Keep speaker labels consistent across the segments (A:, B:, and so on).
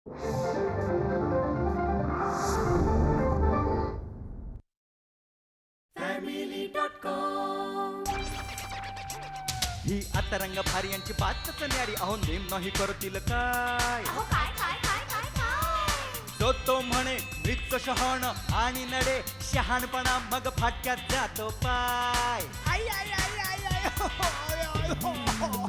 A: ही आता रंग भारी यांची बातच न्यारी. अहो नेम नाही करतील काय. तो म्हणे मृत्यू शहाण आणि नडे शहाणपणा मग फाटक्यात जातो पाय. आई आई आई आई आई हो, आय, आय, हो, हो.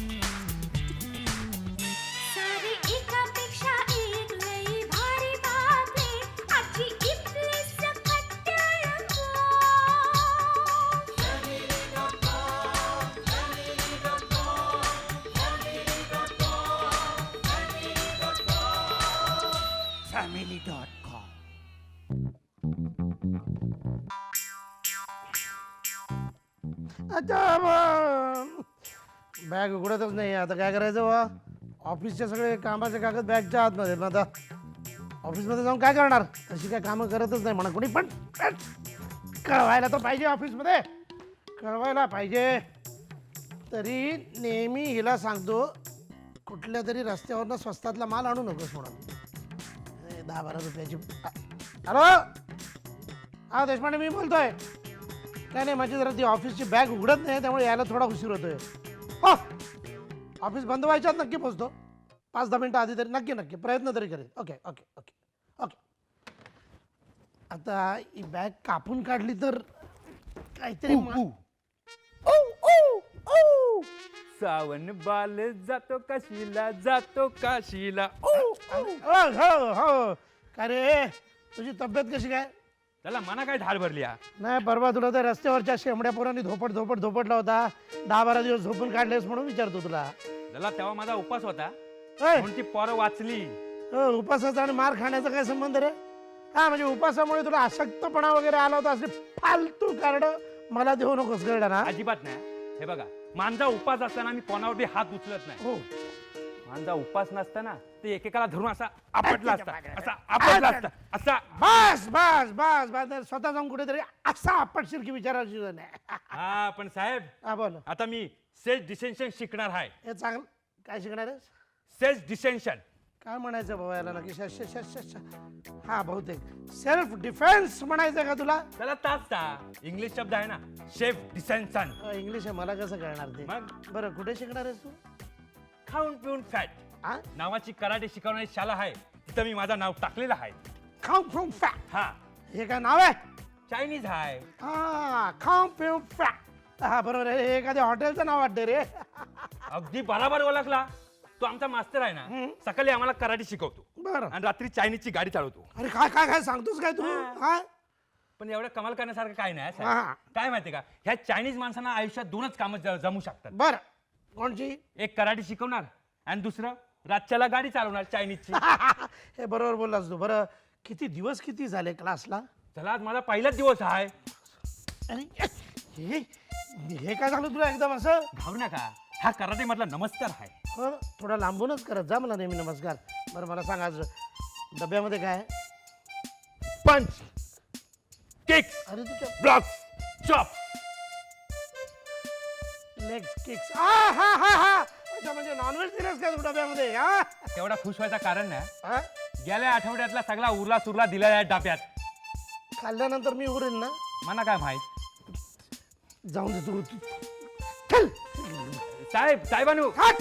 B: सारी एकापेक्षा एक लई भारी बातमी आजची इथली सकट रंगो.
A: family.com.
C: अच्छा बॅग उघडतच नाही. आता काय करायचं बा. ऑफिसचे सगळे कामाचे कागद बॅगच्या आतमध्ये. मग आता ऑफिसमध्ये जाऊन काय करणार. तशी काय कामं करतच नाही म्हणा कोणी. पण कळवायला तर पाहिजे ऑफिसमध्ये. कळवायला पाहिजे. तरी नेहमी हिला सांगतो कुठल्या तरी रस्त्यावरनं स्वस्तातला माल आणू नकोस म्हणून. 10-12 रुपयाची. हॅलो हा देशपांडे मी बोलतोय. काय नाही माझी जरा ती ऑफिसची बॅग उघडत नाही त्यामुळे यायला थोडा उशीर होतोय. हो ऑफिस बंद व्हायच्यात नक्की पोचतो. 5-10 मिनटं आधी तरी नक्की नक्की प्रयत्न तरी करेल. Okay okay okay okay. आता ही बॅग कापून काढली तर काहीतरी
D: सावन बाल जातो काशीला जातो काशीला.
C: हो हो का रे तुझी तब्येत कशी काय.
D: त्याला मना काय ढाल भरली हा?
C: नाही परवा तुला त्या रस्त्यावरच्या शेंबड्या पोरांनी धोपटला होता. 10-12 दिवस झोपून काढलेस म्हणून विचारतो तुला.
D: त्याला तेव्हा माझा उपास होता
C: होय?
D: म्हणून ती पोरं वाचली.
C: उपासाचा आणि मार खाण्याचा काय संबंध रे. हा म्हणजे उपासामुळे तुला अशक्तपणा वगैरे आला होता असले फालतू कार्ड मला देऊ नकोस कळलं ना.
D: अजिबात नाही. हे बघा माझा उपास असताना मी कोणावर बी हात उचलत नाही.
C: हो
D: माझा उपास नसताना ते एकेकाला धरून असा आपटला असता असा आपटला असता असा.
C: बस बस बस बस स्वतः जाऊन कुठेतरी असा आपटशील की विचारायची नाही.
D: हा पण साहेब
C: हा बोल.
D: आता मी सेल्फ डिसेन्शन शिकणार आहे.
C: हे चांगलं काय शिकणार आहेस.
D: सेल्फ डिसेन्शन
C: काय म्हणायचं बाबा याला नक्की. हा बहुतेक सेल्फ डिफेन्स म्हणायचं का तुला.
D: त्याला ताच इंग्लिश शब्द आहे ना सेल्फ डिसेन्शन.
C: इंग्लिश आहे मला कसं कळणार ते.
D: मग
C: बरं कुठे शिकणार आहेस तू.
D: खाऊन पिऊन फॅट
C: हा
D: नावाची कराटे शिकवणारी शाळा आहे तिथं मी माझं नाव टाकलेलं आहे.
C: खाऊ फ्रॉम फॅट.
D: हा
C: हे काय नाव आहे.
D: चायनीज आहे.
C: हा खाऊ पिऊ फॅट. हा बरोबर आहे. हे एखाद्या हॉटेलचं नाव वाटतं रे.
D: अगदी बराबर ओळखला. तो आमचा मास्तर आहे ना सकाळी आम्हाला कराटे शिकवतो
C: बरं
D: आणि रात्री चायनीजची गाडी चालवतो.
C: अरे काय काय काय सांगतोस काय तू. हा
D: पण एवढं कमाल करण्यासारखं काय नाही साहेब.
C: हा.
D: काय माहितीये का ह्या चायनीज माणसांना आयुष्यात 2च कामं जमू शकतात.
C: बरं कोणची.
D: एक कराटे शिकवणार आणि दुसरं रातच्याला गाडी चालवणार चायनीजची.
C: हे बरोबर बोललास तू. बरं किती दिवस किती झाले क्लासला.
D: चला आज माझा पहिलाच दिवस आहे.
C: अरे हे हे काय सांगलं तुला एकदम असं.
D: घाबरू नका हा कराटे मधला नमस्कार आहे.
C: हो थोडा लांबूनच करत जा मला नेहमी नमस्कार. बरं मला सांग आज डब्यामध्ये काय आहे?
D: पंच किक्स
C: अरे तुझ्या
D: ब्लॉक्स चॉप.
C: Legs kicks. हा हा हा हा अच्छा म्हणजे नॉनव्हेज दिलंस का तू डब्यामध्ये. हा
D: तेवढा खुश व्हायचं कारण नाही.
C: हा?
D: गेल्या आठवड्यातला सगळा उरला सुरला दिला या डाब्यात.
C: खाल्ल्यानंतर मी उरेल ना.
D: मला काय माहित.
C: जाऊन दे तू चल.
D: साहेबानू
C: हट.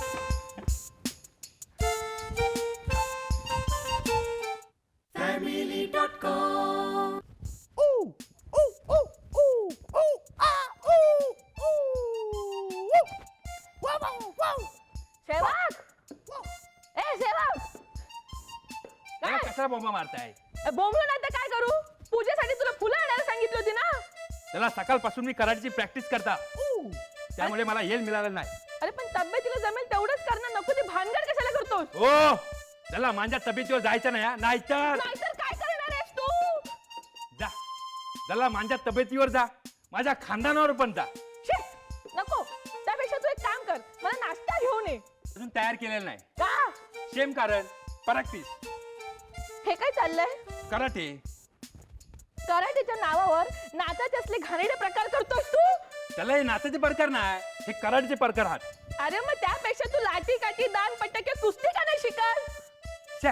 E: सेवक ए सेवक
D: त्याला कसा बोंबा मारताय.
E: बोंबलो नाही तर काय करू. पूजेसाठी तुला फुलं आणायला सांगितली होती ना.
D: त्याला सकाळपासून मी कराटेची प्रॅक्टिस करता त्यामुळे मला येल मिळालं नाही.
E: अरे पण तब्येतीला जमेल तेवढंच करणं नको. ती भानगड कशाला करतोस.
D: ओ त्याला माझ्या तब्येतीवर जायचं नाही हा. नाहीतर
E: नाहीतर काय करणार आहेस तू.
D: जा त्याला माझ्या तब्येतीवर जा माझ्या खानदानावर पण जा.
E: शी, नको. त्यापेक्षा तू एक काम कर मला नाश्ता घेऊन ये.
D: अजून तयार केलेलं नाही.
E: का
D: सेम कारण प्रॅक्टिस
E: हे काय चाललंय.
D: कराटे.
E: कराटेच्या नावावर नाचाचे असले घाणेरडे प्रकार करतोस तू.
D: त्याला हे नाचाचे प्रकार नाही हे कराटेचे प्रकार आहात.
E: अरे मग त्यापेक्षा तू लाठी काठी दान पट्टा किंवा कुस्ती का नाही शिकत.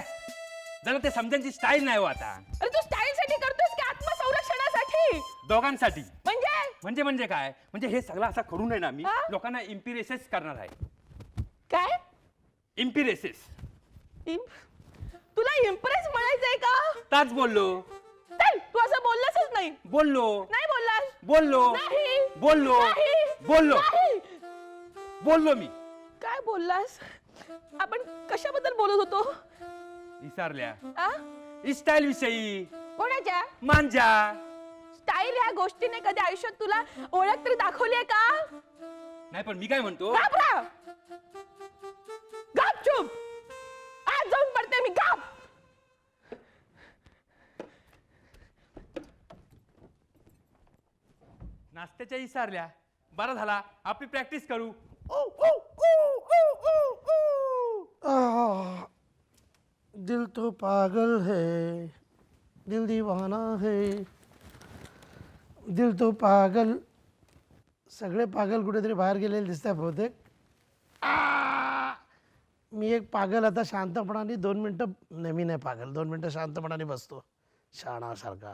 D: जरा ते समजायची स्टाईल नाही हो आता.
E: अरे तू स्टाईल साठी करतोस की आत्मसंरक्षणासाठी?
D: दोघांसाठी.
E: म्हणजे
D: काय म्हणजे हे सगळं असं करू नये ना मी
E: हा?
D: लोकांना इम्पिरेसेस करणार आहे.
E: काय?
D: इम्पिरेसेस.
E: तुला इम्प्रेस म्हणायचंय का?
D: ताच बोललो.
E: चल, तू असं बोललासच नाही.
D: बोललो.
E: नाही बोललास.
D: बोललो.
E: नाही.
D: बोललो.
E: नाही.
D: बोललो.
E: नाही.
D: बोललो मी.
E: काय बोललास? आपण कशाबद्दल बोलत होतो?
D: विसरल्या.
E: आ?
D: स्टाईल विषयी.
E: कोणाच्या?
D: मांजा.
E: स्टाईल ह्या गोष्टीने कधी आयुष्यात तुला ओळख तरी दाखवली आहे का?
D: नाही पण मी काय म्हणतो,
E: घाबरा. गाप चुप. आज जाऊन पडते मी. गाप.
D: नाश्त्याच्या विसरल्या. बरं झाला आपली प्रॅक्टिस करू.
C: दिल तो पागल है, दिल दीवाना है, दिल तो पागल. सगळे पागल कुठेतरी बाहेर गेलेले दिसतात बहुतेक. मी एक पागल आता शांतपणाने 2 मिनटं, नेहमी नाही पागल, 2 मिनटं शांतपणाने बसतो शाणासारखा.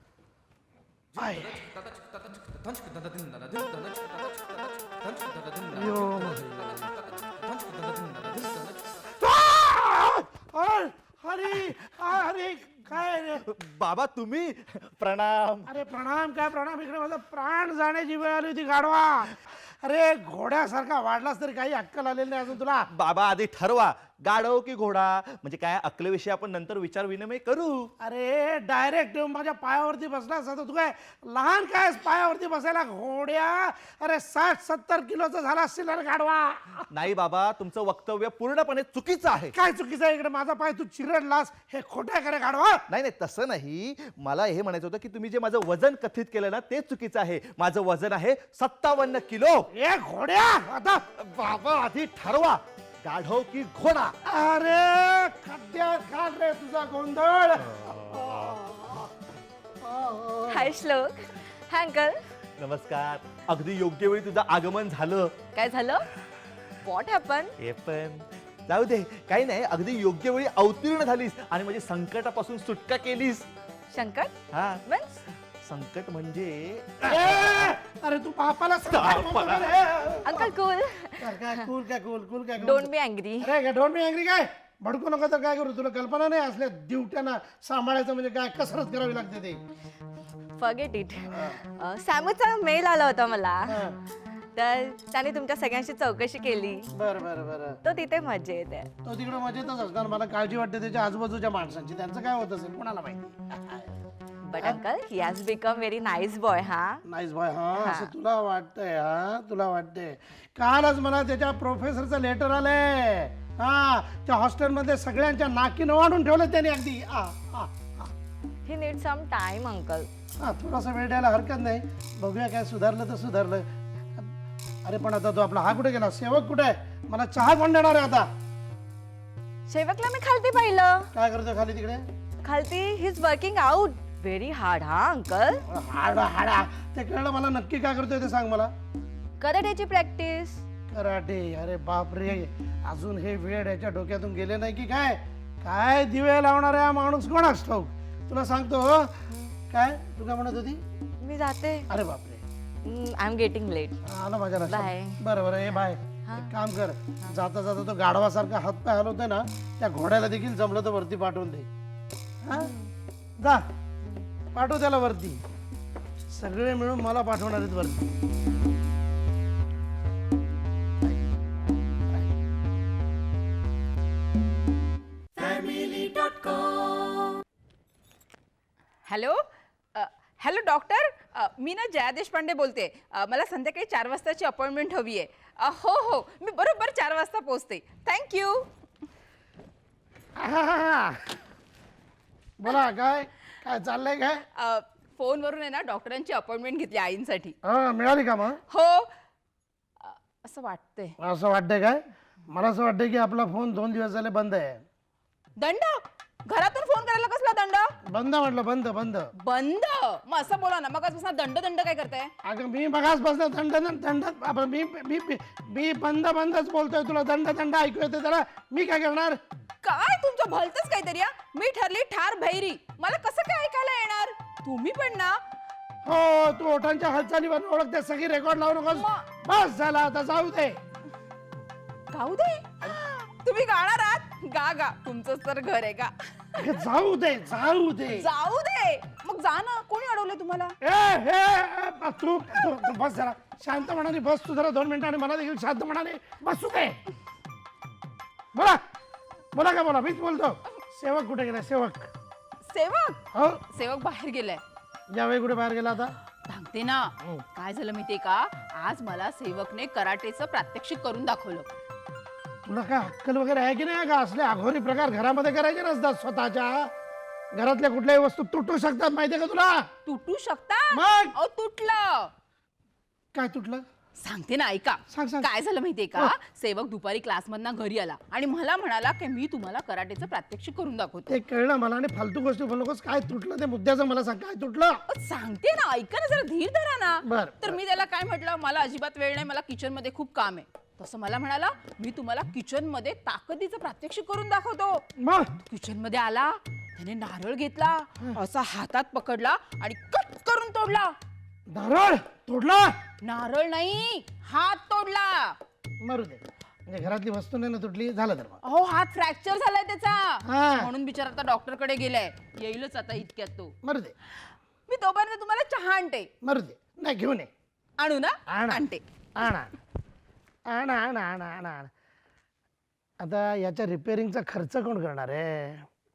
C: अरे अरे काय रे
A: बाबा तुम्ही? प्रणाम.
C: अरे प्रणाम काय प्रणाम, इकडे माझा प्राण जाण्याची वेळ आली होती गाढवा. अरे घोड्यासारखा वाढलास तरी काही अक्कल आलेली नाही अजून तुला.
A: बाबा आधी ठरवा गाढव की घोडा, म्हणजे काय अकलेविषयी आपण नंतर विचार विनिमय करू.
C: अरे डायरेक्ट येऊन माझ्या पायावरती बसलास आता तू. काय लहान काय पायावरती बसायला घोड्या? अरे 60-70 किलोचा झाला असशील अरे गाढवा.
A: नाही बाबा तुमचं वक्तव्य पूर्णपणे चुकीचं आहे.
C: काय चुकीचं आहे? इकडे माझा पाय तू चिरडलास, हे खोटं आहे का रे गाढवा?
A: नाही नाही तसं नाही, मला हे म्हणायचं होतं की तुम्ही जे माझं वजन कथित केलं ना ते चुकीचं आहे. माझं वजन आहे 57 किलो.
C: ए घोड्या आता
A: बाबा आधी ठरवा गाढव की घोडा.
C: अरे खड्ड्यात घाल रे तुझा गोंधळ.
F: हाय श्लोक. Hi uncle.
A: नमस्कार. अगदी योग्य वेळी तुझं आगमन झालं.
F: काय झालं? What happen?
A: हे पण जाऊ दे, काही नाही, अगदी योग्य वेळी अवतीर्ण झालीस आणि म्हणजे संकटापासून सुटका केलीस.
F: संकट
A: हा
F: मीन्स?
A: संकट म्हणजे
C: ए, अरे तू बापाला
F: अंकल कूल.
C: काय कूल काय कूल कूल काय
F: डोंट बी अँग्री.
C: अरे डोंट बी अँग्री काय भडकू नको तर काय करू? तुला कल्पना नाही असल्या ड्युट्यांना सांभाळायचं म्हणजे काय कसरत करावी लागते ते.
F: Forget it. सॅमूचा मेल आला होता मला, तर त्याने तुमच्या सगळ्यांशी चौकशी केली.
C: बरं बरं बरं.
F: तो तिथे मजेत आहे.
C: तो तिकडे मजेतच असणार. मला काळजी वाटते त्याच्या आजूबाजूच्या माणसांची. त्यांचं काय होत असेल कोणाला माहिती.
F: But uncle he has become very nice boy. हा
C: नाईस बॉय. हा असं तुला वाटतंय? हा तुला वाटतंय? कालच मला त्याच्या प्रोफेसरचं लेटर आलंय. हा त्या हॉस्टेलमध्ये सगळ्यांच्या नाकीनं वाढून ठेवलं त्याने अगदी.
F: He need some time uncle.
C: हा थोडासा वेळ द्यायला हरकत नाही. बघूया काय सुधारलं तर सुधारलं. अरे पण आता तो आपला हा कुठे गेला? सेवक कुठे आहे? मला चहा कोण देणार आहे आता?
F: शेवकला मी खालती पाहिलं.
C: काय करतोय खाली तिकडे?
F: खालती he is working out very hard. हा अंकल.
C: हाडा हाडा ते कळलं मला. नक्की काय करतोय ते सांग मला.
F: कराटेची प्रॅक्टिस.
C: कराटे? अरे बाप रे, अजून हे वेळ याच्या डोक्यातून गेले नाही की काय? काय दिवे लावणार आहे माणूस कोणाच ठाऊक. तुला सांगतो काय तू काय म्हणत होती?
F: मी जाते.
C: अरे बापरे,
F: आय एम गेटिंग लेट.
C: आलं माझ्या लक्षात.
F: Bye.
C: बरं बरं ए बाय. एक काम कर, जाता जाता तो गाढवासारखा हातपाय हलवतोय ना, त्या घोड्याला देखील जमलं तर वरती पाठवून दे. हा जा पाठव त्याला वरती. सगळे मिळून मला पाठवणार आहेत वरती.
G: हॅलो हॅलो डॉक्टर, मी ना जया देशपांडे बोलते. मला संध्याकाळी 4 वाजताची अपॉइंटमेंट हवी आहे. हो हो मी बरोबर 4 वाजता पोहोचते. थँक्यू.
C: बोला काय काय चाललंय काय?
G: फोनवरून आहे ना डॉक्टरांची अपॉइंटमेंट घेतली आईंसाठी.
C: हा मिळाली का मग?
G: हो असं वाटतंय.
C: असं वाटतंय काय? मला असं वाटतंय की आपला फोन 2 दिवस झाले बंद आहे.
G: दंड? घरातून फोन करायला कसला दंड?
C: बंद म्हटलं, बंद बंद.
G: बंद? मग असं बोला ना, मग आजपासून दंड दंड काय करताय?
C: अगं मी बघाच बसलं दंड दंड. मी मी मी मी बंद बंदच बोलतोय. तुला दंड दंड ऐकू येते त्याला. मी काय करणार?
G: काय तुमचं भलतच काहीतरी हा? मी ठरली ठार भैरी, मला कसं काय ऐकायला येणार? तुम्ही पण ना.
C: हो तू ओठांच्या हालचालीवर ओळखते, सगळी रेकॉर्ड लावू नकोस. बस झाला, आता जाऊ दे.
G: गाऊ दे. तुम्ही गाणार आहात? गा गा, तुमचंच तर घर आहे का?
C: अगं, जाऊ दे जाऊ दे.
G: जाऊ दे मग, जा ना. कोणी अडवलं तुम्हाला?
C: तू बस जरा शांतपणाने बस. तू जरा 2 मिनिटांनी मला देखील शांतपणाने बसू दे. बोला बोला का बोला, मीच बोलतो. सेवक कुठे गेला? सेवक
G: सेवक?
C: हो
G: सेवक बाहेर गेलाय.
C: यावेळी कुठे बाहेर गेला आता?
G: सांगते ना. काय झालं माहितीये का, आज मला सेवकने कराटेचं प्रात्यक्षिक करून दाखवलं.
C: तुला काय अक्कल वगैरे आहे की नाही का? असले अघोरी प्रकार घरामध्ये करायचे नसतात. स्वतःच्या घरातल्या कुठल्याही वस्तू तुटू शकतात, माहितीये का तुला?
G: तुटू शकता?
C: मग?
G: अहो तुटलं.
C: काय तुटलं?
G: सांगते ना, ऐका.
C: सांग, सांग.
G: काय झालं माहितीये का, सेवक दुपारी क्लासमधनं घरी आला आणि मला म्हणाला की मी तुम्हाला कराटेचं प्रात्यक्षिक करून दाखवतो.
C: ते कळलं मला, आणि फालतू गोष्टी बोलू नकोस. काय तुटलं ते मुद्द्याचं मला सांग. काय तुटलं?
G: अहो, सांगते ना, ऐका ना, जरा धीर धरा ना.
C: बरं,
G: तर मी त्याला काय म्हटलं, मला अजिबात वेळ नाही, मला किचन मध्ये खूप काम आहे. तसं मला म्हणाला, मी तुम्हाला किचन मध्ये ताकदीचं प्रात्यक्षिक करून दाखवतो.
C: मग
G: किचन मध्ये आला, त्याने नारळ घेतला, असा हातात पकडला आणि कट करून तोडला.
C: नारळ तोडला?
G: नारळ नाही, हात तोडला.
C: मरू दे, म्हणजे घरातली वस्तू नाही ना तुटली, झालं तर मग.
G: अहो, हात फ्रॅक्चर झालाय त्याचा.
C: हा.
G: म्हणून बिचारा आता डॉक्टर कडे गेलाय. येईलच आता इतक्यात तो.
C: मरू दे
G: मी तोपर्यंत तुम्हाला चहा आणते.
C: मरू दे. नाही घेऊन ये.
G: आणू ना?
C: आण.
G: आणते.
C: आणा आणा आणा आणा आणा आणा. आता याच्या रिपेअरिंगचा खर्च कोण करणार आहे?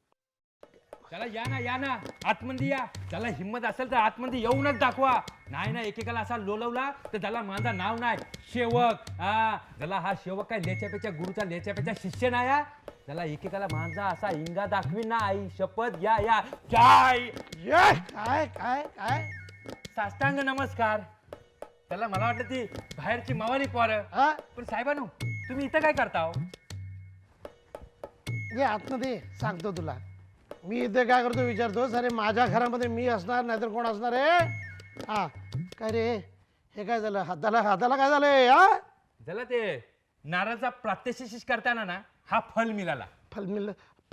D: चला या ना आतमध्ये या. त्याला हिंमत असेल तर आतमध्ये येऊनच दाखवा. नाही ना, एकेकाला असा लोलवला तर त्याला माझं नाव नाही शेवक. त्याला हा शेवक काय लेच्यापेच्या गुरुचा लेच्यापेच्या शिष्य नाही हा. त्याला एकेकाला माझा असा इंगा दाखवी ना. आई शपथ. या या काय
C: ये काय काय काय
D: साष्टांग नमस्कार. त्याला मला वाटलं ती बाहेरची मावाली पोरं.
C: हा?
D: पण साहेबांनो, तुम्ही इथं काय करता हो?
C: ये आतमध्ये सांगतो तुला. मी इथे काय करतो विचारतोस? अरे माझ्या घरामध्ये मी असणार, नाहीतर कोण असणार आहे? हा काय रे, हे काय झालं? हाताला काय झालंय? हा
D: झालं ते नारळाचा प्रात्यक्षिक करताना ना हा फल मिळाला.
C: फल मिळलं?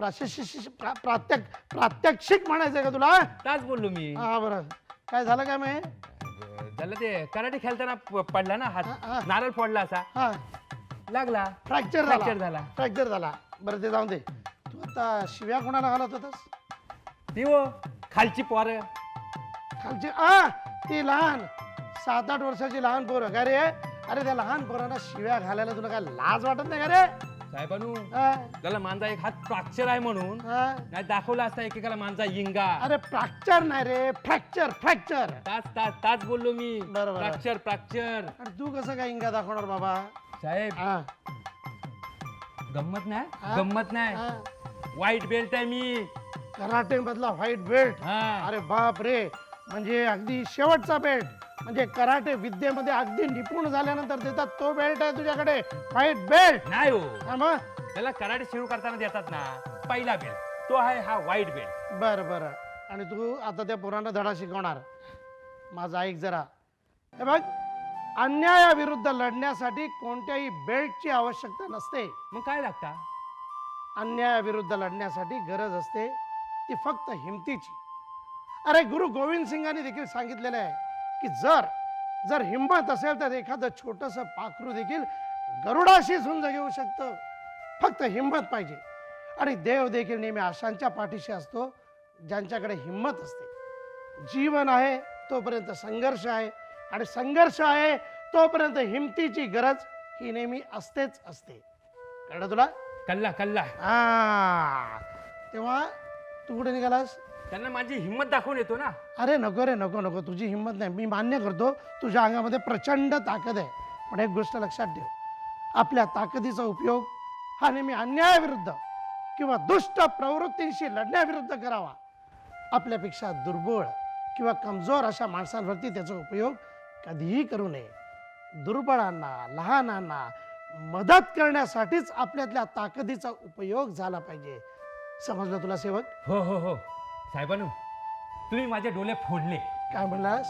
C: प्रात्यक्षिक म्हणायचंय का तुला?
D: ताच बोललो मी.
C: हा बरं, काय झालं काय मग?
D: झालं ते कराटे खेळताना पडला ना
C: हा.
D: हात, नारळ फोडला असा,
C: हा
D: लागला,
C: फ्रॅक्चर
D: झाला.
C: फ्रॅक्चर झाला. बरं ते जाऊन दे. तू आता शिव्या कोणाला घालत होतास?
D: ती हो खालची पोरं.
C: खालची ती लहान 7-8 वर्षाची लहान पोरं का रे? अरे त्या लहान पोरांना शिव्या घालायला तुला काय लाज वाटत नाही का रे?
D: साहेबानू,
C: हा?
D: त्याला माझा एक हात फ्रॅक्चर आहे म्हणून
C: हा?
D: नाही दाखवला असता एकेकाला माझा इंगा.
C: अरे फ्रॅक्चर नाही रे, फ्रॅक्चर.
D: ताच बोललो मी.
C: बरोबर.
D: फ्रॅक्चर.
C: अरे तू कसं काय इंगा दाखवणार बाबा?
D: साहेब
C: हा?
D: गंमत नाही,
C: हा?
D: गंमत नाही.
C: हा?
D: वाईट बेल्ट आहे मी.
C: कराटे मधला व्हाईट बेल्ट?
D: हा.
C: अरे बाप रे, म्हणजे अगदी शेवटचा बेल्ट. म्हणजे कराटे विद्येमध्ये अगदी निपुण झाल्यानंतर देतात तो बेल्ट आहे तुझ्याकडे, व्हाईट बेल्ट?
D: नाही हो,
C: मग
D: त्याला कराटे सुरू करताना देतात ना पहिला बेल्ट, तो आहे हा व्हाईट बेल्ट.
C: बरं. आणि तू आता त्या पोरांना धडा शिकवणार? माझं ऐक जरा. हे बघ, अन्यायाविरुद्ध लढण्यासाठी कोणत्याही बेल्टची आवश्यकता नसते.
D: मग काय लागता?
C: अन्यायाविरुद्ध लढण्यासाठी गरज असते ती फक्त हिमतीची. अरे गुरु गोविंद सिंगांनी देखील सांगितलेलं आहे की जर हिंमत असेल तर एखादं छोटंसं पाखरू देखील गरुडाशी झुंज घेऊ शकतं. फक्त हिंमत पाहिजे. आणि देव देखील नेहमी अशांच्या पाठीशी असतो ज्यांच्याकडे हिंमत असते. जीवन आहे तोपर्यंत संघर्ष आहे, आणि संघर्ष आहे तोपर्यंत हिमतीची गरज ही नेहमी असतेच असते. कळलं तुला?
D: कल्ला.
C: तेव्हा तू कुठे निघालास?
D: त्यांना माझी हिंमत दाखवून येतो ना.
C: अरे नको रे, नको. तुझी हिंमत नाही, मी मान्य करतो. तुझ्या अंगामध्ये प्रचंड ताकद आहे. पण एक गोष्ट लक्षात ठेव, आपल्या ताकदीचा उपयोग हा नेहमी अन्यायाविरुद्ध किंवा दुष्ट प्रवृत्तींशी लढण्याविरुद्ध करावा. आपल्यापेक्षा दुर्बळ किंवा कमजोर अशा माणसांवरती त्याचा उपयोग कधीही करू नये. दुर्बळांना, लहानांना मदत करण्यासाठीच आपल्यातल्या ताकदीचा उपयोग झाला पाहिजे. समजलं तुला सेवक?
D: हो साहेबानू, तुम्ही माझे डोळे फोडले.
C: काय म्हणलास?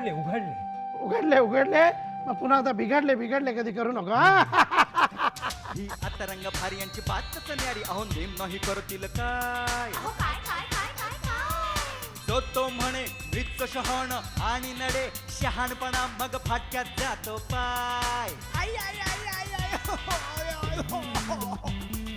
D: उघडले.
C: उघडले. मग पुन्हा आता बिघडले कधी करू नका.
A: ही आता रंग भारी यांची बातच न्यारी अहो नेम नाही करतील काय तो म्हणे मृत शहाण आणि नडे शहाणपणा मग फाटक्यात जातो पाय आई आई आई आई आई हो, हो, हो, हो.